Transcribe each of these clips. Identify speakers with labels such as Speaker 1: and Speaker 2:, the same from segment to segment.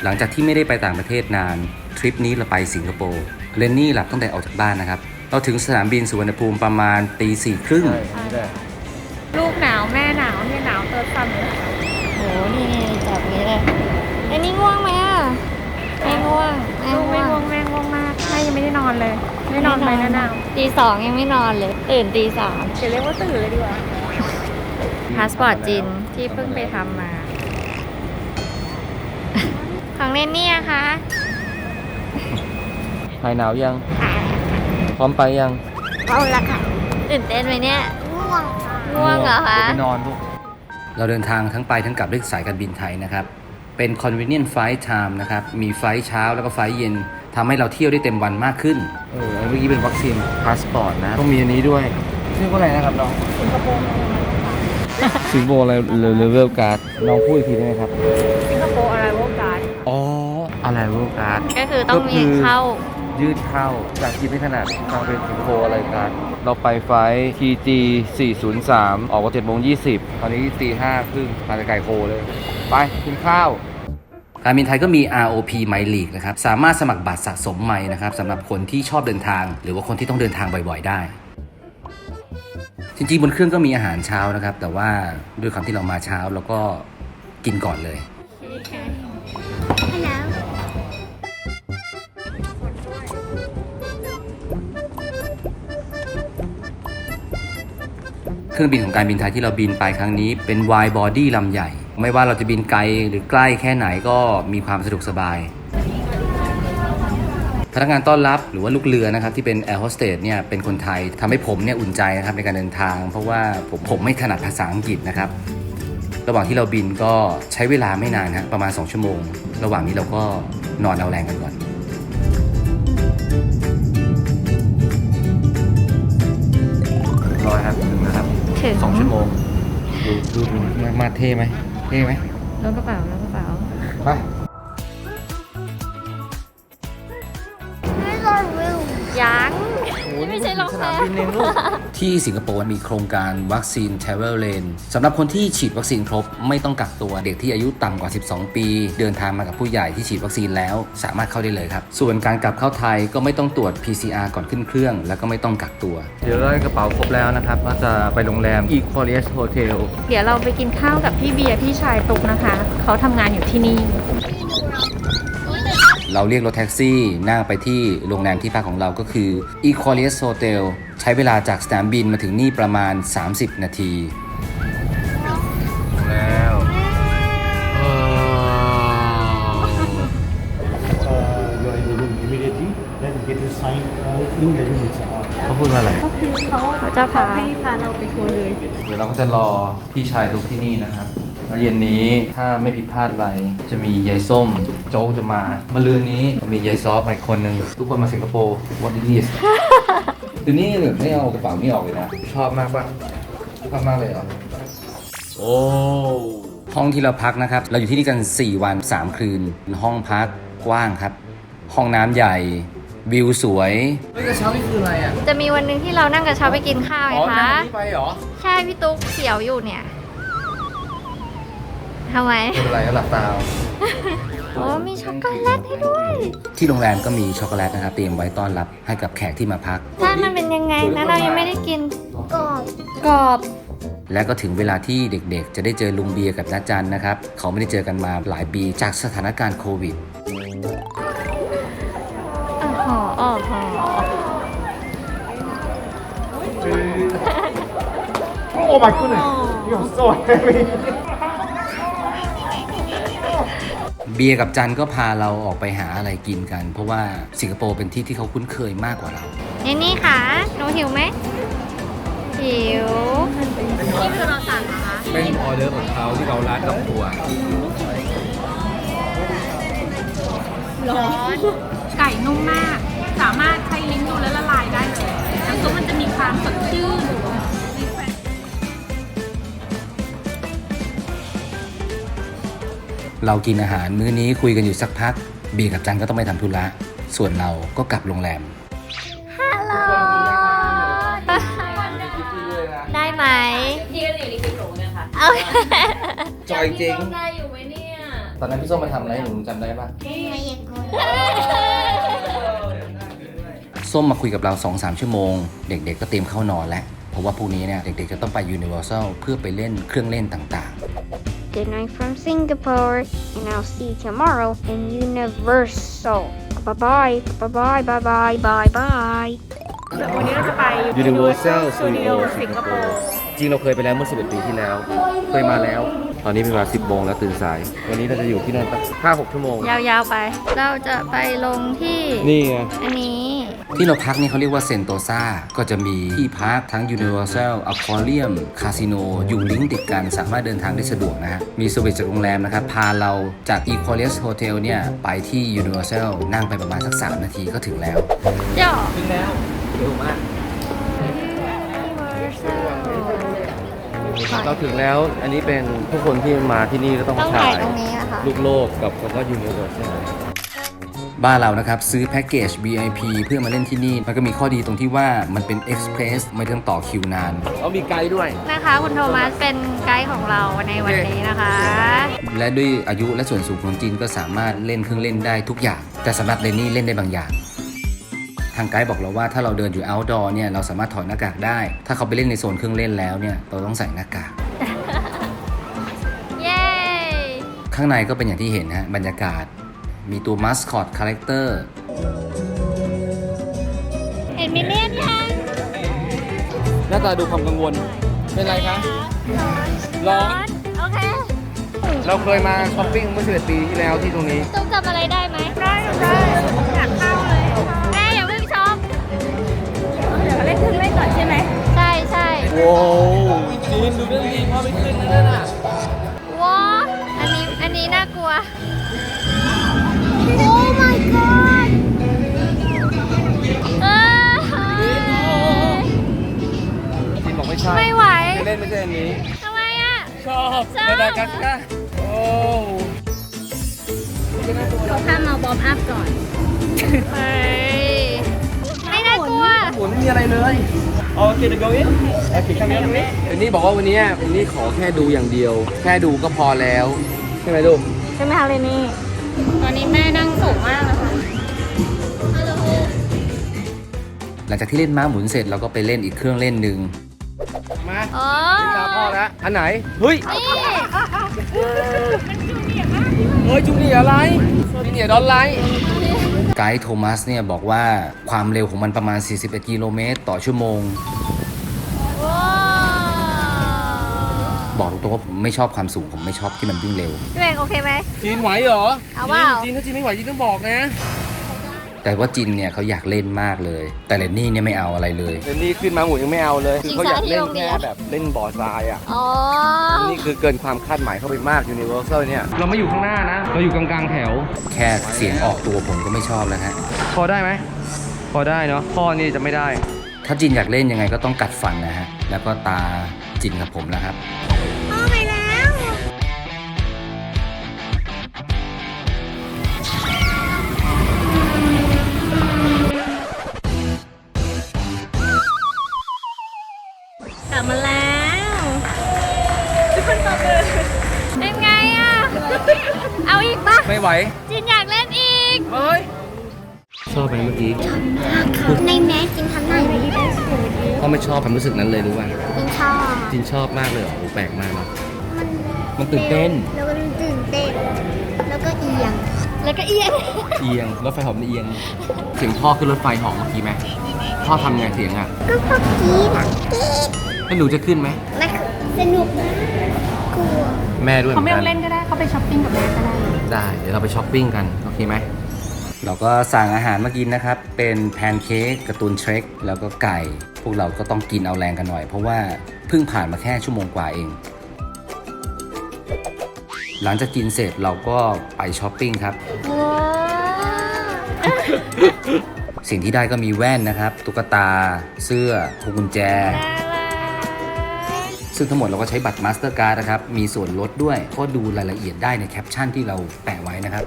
Speaker 1: หลังจากที่ไม่ได้ไปต่างประเทศนานทริปนี้เราไปสิงคโปร์เรนนี่หลับตั้งแต่ออกจากบ้านนะครับเราถึงสนามบินสุวรรณภูมิประมาณตี 4:30
Speaker 2: ลูกหนาวแม่หนาวเนี่ยหนาวเติร์ดซันเลยโหนี่จับนี้เลยไอ้นี่ง่วงไหมอ่ะไม่ง่วงลูกไม่ง่วงแม่ง่วงมากแม่ยังไม่ได้นอนเลยไม่นอนไปแล้วหนาวตี 2ยังไม่นอนเลยตื่นตี 3จะเรียกว่าตื่นเลยดีกว่าพาสปอร์ตจีนที่เพิ่งไปทำมาของเนนนี่อะคะ
Speaker 1: หายหนาวยังพร้อมไปยัง
Speaker 2: เอาละค่ะตื่นเต้นไหมเนี่ยง่วงเหรอคะ
Speaker 1: ไปนอนลูกเราเดินทางทั้งไปทั้งกลับด้วยสายการบินไทยนะครับเป็น convenient flight time นะครับมีไฟล์เช้าแล้วก็ไฟล์เย็นทำให้เราเที่ยวได้เต็มวันมากขึ้นเมื่อกี้เป็นวัคซีนพาสปอร์ตนะต้องมีอันนี้ด้วยชื่อว่าอะไรนะครับน้องสิงคโปร์อะไรเลเวลการ์ดน้องพูดอีกทีได้ไหมครับ
Speaker 2: สิงคโปร์อะไรวอลการ์ด
Speaker 1: อ๋ออะไรเวลการ์ด
Speaker 2: ก็คือต้องมีเข้า
Speaker 1: ยืดเข้าจากกินไม่ถนัดทางเป็นสิงคโปร์อะไรกันเราไปไฟล์ TG 403ออกว่า7:20ตอนนี้ตี 5:30มาจากไก่โคเลยไปกินข้าวการบินไทยก็มี ROP My League นะครับสามารถสมัครบัตรสะสมไมล์นะครับสำหรับคนที่ชอบเดินทางหรือว่าคนที่ต้องเดินทางบ่อยๆได้จริงๆบนเครื่องก็มีอาหารเช้านะครับแต่ว่าด้วยความที่เรามาเช้าเราก็กินก่อนเลยเครื่องบินของการบินไทยที่เราบินไปครั้งนี้เป็น wide body ลำใหญ่ไม่ว่าเราจะบินไกลหรือใกล้แค่ไหนก็มีความสะดวกสบายพนักงานต้อนรับหรือว่าลูกเรือนะครับที่เป็นแอร์โฮสเตสเนี่ยเป็นคนไทยทำให้ผมเนี่ยอุ่นใจนะครับในการเดินทางเพราะว่าผมไม่ถนัดภาษาอังกฤษนะครับระหว่างที่เราบินก็ใช้เวลาไม่นานนะประมาณ2 ชั่วโมงระหว่างนี้เราก็นอนเอาแรงกันก่อนรอครับถึงนะครับ2 ชั่วโมงดูมาเท่ไหม
Speaker 2: รถกระเป๋า
Speaker 1: ไป
Speaker 2: ยังไม่ใช่รองเท้า
Speaker 1: ที่สิงคโปร์มีโครงการวัคซีน Travel Lane สำหรับคนที่ฉีดวัคซีนครบไม่ต้องกักตัวเด็กที่อายุต่ำกว่า12 ปีเดินทางมากับผู้ใหญ่ที่ฉีดวัคซีนแล้วสามารถเข้าได้เลยครับส่วนการกลับเข้าไทยก็ไม่ต้องตรวจ PCR ก่อนขึ้นเครื่องแล้วก็ไม่ต้องกักตัวเดี๋ยวได้กระเป๋าครบแล้วนะครับก็จะไปโรงแรม Equalius Hotel
Speaker 2: เดี๋ยวเราไปกินข้าวกับพี่เบียร์พี่ชายตุกนะคะเขาทำงานอยู่ที่นี่
Speaker 1: เราเรียกรถแท็กซี่นั่งไปที่โรงแรมที่พักของเราก็คือ Equalius Hotel ใช้เวลาจากสนามบินมาถึงนี่ประมาณ30 นาทีแล้วเขาพูดว่าอะไร
Speaker 2: เขาจะพาเราไปทัวร์เลย
Speaker 1: เดี๋ยวเราก็จะรอพี่ชายทุกที่นี่นะครับแล้วเย็นนี้ถ้าไม่ผิดพลาดอะไรจะมียายส้มโจ๊กจะมาเมื่อลืนนี้มียายซอฟอีกคนนึงทุกคนมาสิงคโปร์ What it is ทีนี้ไม่เอากระเป๋านี่ออกเลยนะชอบมากป่ะชอบมากเลยเหรอโอ้ห้องที่เราพักนะครับเราอยู่ที่นี่กัน4 วัน 3 คืนห้องพักกว้างครับห้องน้ำใหญ่วิวสวยเฮ้ยกระเช้านี่คืออะไรอ่ะ
Speaker 2: จะมีวันหนึ่งที่เรานั่งกระเช้าไปกินข้าวไงคะ
Speaker 1: นั่งไปเหรอ
Speaker 2: ใช่พี่ตุ๊กเสียวอยู่เนี่ยทำไม
Speaker 1: เป็นอะไรหลับตา
Speaker 2: โอ้มีช็อกโกแลตให้ด้วย
Speaker 1: ที่โรงแรมก็มีช็อกโกแลตนะครับเตรียมไว้ต้อนรับให้กับแขกที่มาพัก
Speaker 2: ถ้ามันเป็นยังไงนะเรายังไม่ได้กินกรอบ
Speaker 1: และก็ถึงเวลาที่เด็กๆจะได้เจอลุงเบียร์กับน้าจันนะครับเขาไม่ได้เจอกันมาหลายปีจากสถานการณ์โควิด
Speaker 3: Oh my goodness you're so heavy
Speaker 1: เบียร์กับจันก็พาเราออกไปหาอะไรกินกันเพราะว่าสิงคโปร์เป็นที่ที่เขาคุ้นเคยมากกว่าเรา
Speaker 2: นี่ค่ะหนูหิวไหมหิวนี่คือเราสั่งนะคะ
Speaker 1: เป็นออเดอร์ของเขาที่เราร้านกับตัว
Speaker 2: ร้อนไก่นุ่มมากสามารถใช้ลิ้นดูแล้วละลายได้เลยน้ำซุปมันจะมีความสดชื่น
Speaker 1: เรากินอาหารมื้อนี้คุยกันอยู่สักพักเบียร์กับจันก็ต้องไปทำธุระส่วนเราก็กลับโรงแรม
Speaker 2: ฮัลโหลได้ไหม
Speaker 4: พี่ก็หนีลิขิตหนูเนี่ยค่ะ
Speaker 1: จอยจริง
Speaker 4: ได้อยู่ไหมเนี่ย
Speaker 1: ตอนนั้นพี่ส้มมาทำอะไรให้หนูจำได้ปะ
Speaker 4: ไม่อยากกด
Speaker 1: ส้มมาคุยกับเรา 2-3 ชั่วโมง เด็กๆก็เตรียมเข้านอนแล้ว เพราะว่าพรุ่งนี้เนี่ยเด็กๆจะต้องไป Universal เพื่อไปเล่นเครื่องเล่นต่าง
Speaker 4: Good night from Singapore and I'll see you tomorrow in Universal. Bye bye. Bye bye. Bye bye. Bye bye.
Speaker 2: วันนี้เราจะไป
Speaker 1: Universal
Speaker 2: Studio สิงคโปร์
Speaker 1: จริงเราเคยไปแล้วเมื่อ11 ปีที่แล้ว เคยมาแล้ว ตอนนี้เป็นเวลา 10 โมงแล้วตื่นสาย วันนี้เราจะอยู่ที่นั่นสัก 5-6 ชั่วโมง
Speaker 2: ยาวๆไป เราจะไปลงที่
Speaker 1: นี่ไง
Speaker 2: อันนี้
Speaker 1: ที่เราพักนี่เขาเรียกว่าเซนโตซาก็จะมีที่พักทั้ง Universal Aquarium Casino อยู่ลิงก์ติดกันสามารถเดินทางได้สะดวกนะฮะ มีสวิตจากโรงแรมนะครับ พาเราจาก Equalius Hotel เนี่ย ไปที่ Universal นั่งไปประมาณสัก 3 นาทีก็ถึงแล้ว
Speaker 2: ย่อ
Speaker 1: ถึงแล้วเร็วมาก เราถึงแล้ว อันนี้เป็นทุกคนที่มาที่นี่ก็ต้อง
Speaker 2: ต้อง
Speaker 1: ถ่า
Speaker 2: ถ่าย
Speaker 1: ย
Speaker 2: ตรงนี้นะคะ
Speaker 1: ลูกโลกกับคำว่า Universal บ้านเรานะครับ ซื้อแพ็กเกจ VIP เพื่อมาเล่นที่นี่ มันก็มีข้อดีตรงที่ว่ามันเป็น Express ไม่ต้องต่อคิวนานเขามีไกด์ด้วย
Speaker 2: นะคะ คุณโทมัสเป็นไกด์ของเราในวันนี้นะคะ
Speaker 1: และด้วยอายุและส่วนสูงของจีนก็สามารถเล่นเครื่องเล่นได้ทุกอย่าง แต่สำหรับเรนนี่เล่นได้บางอย่าง ทางไกด์บอกเราว่าถ้าเราเดินอยู่ outdoor เนี่ยเราสามารถถอดหน้ากากได้ ถ้าเขาไปเล่นในโซนเครื่องเล่นแล้วเนี่ยเราต้องใส่หน้ากาก
Speaker 2: เย้
Speaker 1: ข้างในก็เป็นอย่างที่เห็นฮะบรรยากาศ มีตัวมัสคอตคาแรคเตอร์
Speaker 2: เห็นมินเนี่ยนยัง
Speaker 1: หน้าตาดูความกังวล เป็นไรคะ ร้อน
Speaker 2: โอเค
Speaker 1: เราเคยมาช้อปปิ้งเมื่อ11 ปีที่แล้วที่ตรงนี้
Speaker 2: ต้องจำอะไรได้ไหมได้อยากเข้าเลยแม่อย่าเพิ่งช็อปเดี๋ยวเล่นเครื่องเล่นก่อนใช่ไหมใช่ใช่
Speaker 1: ว้าวจีนดูเรื่องดีพ่อไม่ขึ้นนะนั่นน่ะ
Speaker 2: ว้าอันนี้น่ากลัว
Speaker 4: Oh my god.
Speaker 2: เออ
Speaker 1: จีนบอกไม่ใช่
Speaker 2: ไม่ไหว
Speaker 1: ไม่เล่นไม่ใช่อันนี้
Speaker 2: ทำไมอ่ะ
Speaker 1: ชอบ
Speaker 2: ชอบ
Speaker 1: มาดากัสการ์โอ้
Speaker 2: เขาพามาบอมอัพก่อนเฮ้ยไม่น่ากลัว
Speaker 1: หมุนไม่มีอะไรเลยโอเคเดี๋ยว go in โอเคข้างนี้ตรงนี้เอ็นนี่บอกว่าวันนี้เอ็นนี่ขอแค่ดูอย่างเดียว แค่ดูก็พอแล้วใช่ไหมลูก
Speaker 2: ใช่ไหมคะเรนนี่ ตอนนี้แม่นั่งสูงมากนะคะ
Speaker 1: หลังจากที่เล่นม้าหมุนเสร็จเราก็ไปเล่นอีกเครื่องเล่นหนึ่งมา
Speaker 2: อ๋อ
Speaker 1: ตาพ่อแล้วอันไหน เฮ้ย
Speaker 2: นี่
Speaker 1: เฮ้ยจูเนียร์อะไรจูเนียร์ดอลไลท์ไกด์โทมัสเนี่ยบอกว่าความเร็วของมันประมาณ 41 กิโลเมตรต่อชั่วโมง
Speaker 2: ว้าว
Speaker 1: บอกตรงๆว่าผมไม่ชอบความสูงผมไม่ชอบที่มันวิ่งเร็ว
Speaker 2: พี่เองโอเคไหม
Speaker 1: จีนไหวเหรอ
Speaker 2: เอาเปล่า
Speaker 1: จีนถ้าจีนไม่ไหวจีนต้องบอกนะ แต่ว่าจินเนี่ยเขาอยากเล่นมากเลย แต่เรนนี่เนี่ยไม่เอาอะไรเลยเรนนี่ขึ้นมาหมุนยังไม่เอาเลยคือเขาอยากเล่นแค่แบบเล่นบอร์ดทรายอ่ะ
Speaker 2: อ๋อ
Speaker 1: นี่คือเกินความคาดหมายเข้าไปมาก Universal เนี่ย เราไม่อยู่ข้างหน้านะ เราอยู่กลางๆแถว แค่เสียงออกตัวผมก็ไม่ชอบแล้วฮะ พอได้ไหม พอได้เนาะ พ่อนี่จะไม่ได้ ถ้าจินอยากเล่นยังไงก็ต้องกัดฟันนะฮะ แล้วก็ตาจินกับผมแล้วครับ
Speaker 2: พ่อไปแล้ว กลับมาแล้วทุกคนตบมือเป็นไงอ่ะ เอาอีกปะ
Speaker 1: ไม่ไหว
Speaker 2: จินอยากเล่นอีก
Speaker 1: เฮ้ย ชอบไหมเมื่อกี้
Speaker 4: ในแม้จินทำได้ไหม
Speaker 1: พ่อไม่ชอบความรู้สึกนั้นเลยรู้ป่ะ
Speaker 4: จินชอบ
Speaker 1: จินชอบมากเลยเหรอโอ้แปลกมากเนาะมันตื่นเต้น
Speaker 4: แล้วก็ตื่นเต้น แล้วก็เอียง
Speaker 2: แล้วก็เอียง
Speaker 1: เอียง รถไฟหอมเอียง เสียงพ่อขึ้นรถไฟหอมเมื่อกี้ไหมพ่อทำไงเสียงอ่ะ
Speaker 4: ก็พวกกี้นะกี้
Speaker 1: แล้วหนูจะขึ้นไหม
Speaker 4: และสนุกนะกลัว
Speaker 1: แม่ด้วยเหมื
Speaker 2: เขา
Speaker 1: อน
Speaker 2: ไม่
Speaker 1: กั
Speaker 2: ต้อน งเล่นก็ได้เขาไปช้อปปิ้งกับแม่ก็ได้
Speaker 1: ได้ เดี๋ยวเราไปช้อปปิ้งกัน โอเคไหม เราก็สั่งอาหารมากินนะครับ เป็นแพนเค้กการ์ตูนเทรคแล้วก็ไก่ พวกเราก็ต้องกินเอาแรงกันหน่อย เพราะว่าเพิ่งผ่านมาแค่ชั่วโมงกว่าเอง หลังจากกินเสร็จเราก็ไปช้อปปิ้งครับ
Speaker 2: ว้าว
Speaker 1: สิ่งที่ได้ก็มีแว่นนะครับ ตุ๊กตา เสื้อพวงกุญแจ ซึ่งทั้งหมดเราก็ใช้บัตร Mastercard นะครับ มีส่วนลดด้วย ก็ดูรายละเอียดได้ในแคปชั่นที่เราแปะไว้นะครับ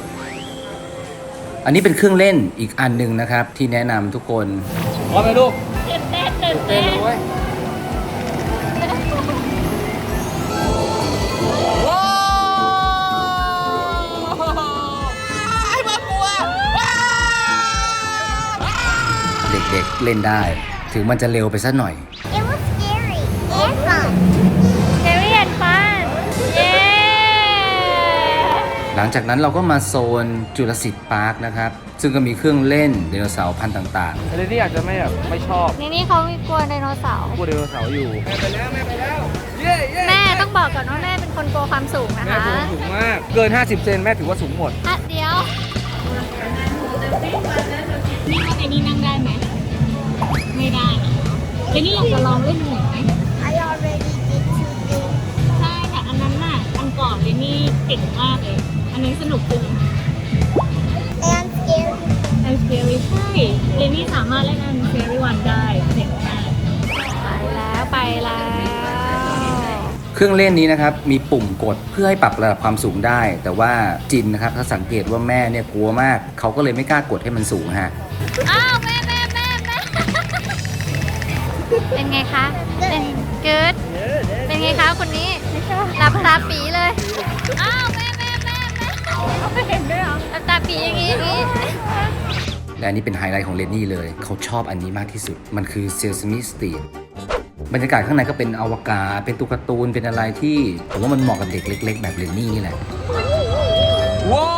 Speaker 1: อันนี้เป็นเครื่องเล่นอีกอันหนึ่งนะครับ ที่แนะนำทุกคนพร้อมไหมลูก
Speaker 2: ตื่นเต้นตื่นเต้น
Speaker 1: เลยว้าวเด็กๆเล่นได้ ถึงมันจะเร็วไปสักหน่อย
Speaker 4: It was scary and fun.
Speaker 2: Scary and fun เย้
Speaker 1: หลังจากนั้นเราก็มาโซนจูราสสิคพาร์คนะครับ ซึ่งก็มีเครื่องเล่นไดโนเสาร์พันธุ์ต่าง
Speaker 3: อันนี้อาจจะไม่ชอบ
Speaker 2: นี่เขามีกลัวไดโนเสาร์
Speaker 3: กลัวไดโนเสาร์อยู่แม่ไปแล้วเย้เย้
Speaker 2: แม่ต้องบอกก่อนว่าแม่เป็นคนกลัวความสูงนะ
Speaker 3: แม่
Speaker 2: คะ
Speaker 3: สูงมาก เกิน 50 เซนแม่ถือว่าสูงหมด
Speaker 2: อ่ะเดี๋ยวนี่ว่าไอ้นี่นั่งได้ไหมไม่ได้แล้วนี่อยากจะลองเล่นหน่อยไหม
Speaker 4: I already did 2 things.
Speaker 2: ใช่แต่อันนั้นน่ะอันก่อนเลยนี่เก่งมากเลย อันนี้สนุกจริง
Speaker 4: And scary.
Speaker 2: อัน scary ใช่เลนี่สามารถเล่นอัน scary one ได้เจ๋งมากไปแล้ว
Speaker 1: ๆ เครื่องเล่นนี้นะครับมีปุ่มกดเพื่อให้ปรับระดับความสูงได้ แต่ว่าจินนะครับถ้าสังเกตว่าแม่เนี่ยกลัวมาก เขาก็เลยไม่กล้ากดให้มันสูงฮะ
Speaker 2: อ้าวแม่เป็นไงคะเป็นเกิดเป็นไงคะคนนี้หลับตาปีเลยอ้าวแม่ไม่เห็นด้วยเหรอหลับตาปีอย่างนี้
Speaker 1: และอันนี้เป็นไฮไลท์ของเลนนี่เลย เขาชอบอันนี้มากที่สุด มันคือ Sesame Street บรรยากาศข้างในก็เป็นอวกาศ เป็นตุ๊กตาเป็นอะไรที่ผมว่ามันเหมาะกับเด็กเล็กๆ แบบเลนนี่นี่แหละ ว้าว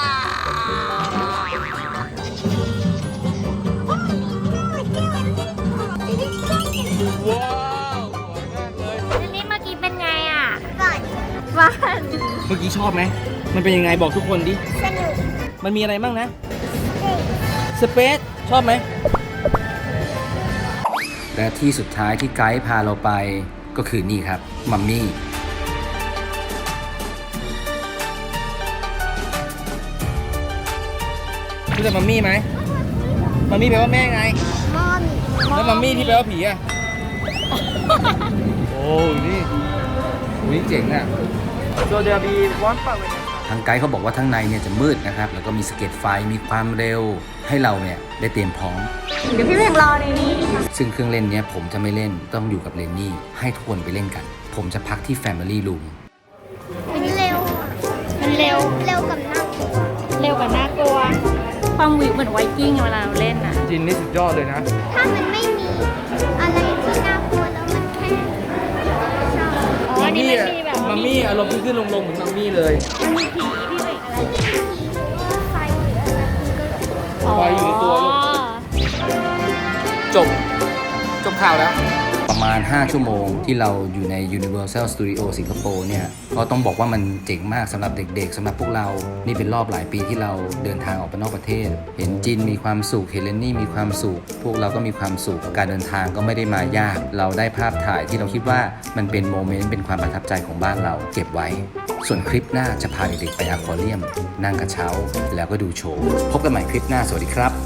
Speaker 2: อันนี้เมื่อกี้เป็นไงอ่ะ
Speaker 4: Fun.
Speaker 2: วัน
Speaker 3: เมื่อกี้ชอบไหม มันเป็นยังไงบอกทุกคนดิ
Speaker 4: Sanu.
Speaker 3: มันมีอะไรบ้างนะ สเปซ ชอบไหม
Speaker 1: และที่สุดท้ายที่ไกด์พาเราไปก็คือนี่ครับ มัมมี่
Speaker 3: รู้จักมัมมี่ไหม มัมมี่แปลว่าแม่ไง
Speaker 4: Mommy.
Speaker 3: แล้วมัมมี่ที่แปลว่าผีอ่ะ โอ้นี่วิ่งเจ๋งอ่ะ So there be one part
Speaker 1: ทางไกด์เขาบอกว่าข้างในเนี่ยจะมืดนะครับ แล้วก็มีสะเก็ตไฟ มีความเร็ว ให้เราเนี่ยได้เตรียมพร้อม
Speaker 2: เดี๋ยวพี่เพ่งรอในนี้
Speaker 1: ซึ่งเครื่องเล่นเนี้ยผมจะไม่เล่น ต้องอยู่กับเลนนี่ ให้ทุกคนไปเล่นกัน ผมจะพักที่ Family Room
Speaker 4: มันเร็ว
Speaker 2: มันเร็ว
Speaker 4: เร็วกับน่ากลัว
Speaker 2: เร็วกว่าน่ากลัว ความวิวเหมือนไวกิ้งเวลาเราเล่นน่ะ
Speaker 3: จินนี่สุดยอดเลยนะ
Speaker 4: ถ้ามันไม่มีอะไรที่น่ากลัวแล้วมันแค่ชอบ
Speaker 2: อ๋ออันนี้มันมีแบบ
Speaker 3: มัมมี่อารมณ์ขึ้นลงเหมือนมัมมี่เลย
Speaker 2: มันมีผีพี่เพ่งอะไร
Speaker 4: ไฟหรืออะไรคุณก็
Speaker 3: ไฟอยู่ในตัวลูก จบข่าวแล้ว
Speaker 1: ประมาณ 5 ชั่วโมงที่เราอยู่ใน Universal Studio สิงคโปร์เนี่ย ก็ต้องบอกว่ามันเจ๋งมากสำหรับเด็กๆสำหรับพวกเรา นี่เป็นรอบหลายปีที่เราเดินทางออกไปนอกประเทศ เห็นจินมีความสุข เห็นเลนนี่มีความสุข พวกเราก็มีความสุข การเดินทางก็ไม่ได้มายาก เราได้ภาพถ่ายที่เราคิดว่ามันเป็นโมเมนต์ เป็นความประทับใจของบ้านเรา เก็บไว้ ส่วนคลิปหน้าจะพาเด็กๆไปอควาเรียม นั่งกระเช้า แล้วก็ดูโชว์ พบกันใหม่คลิปหน้า สวัสดีครับ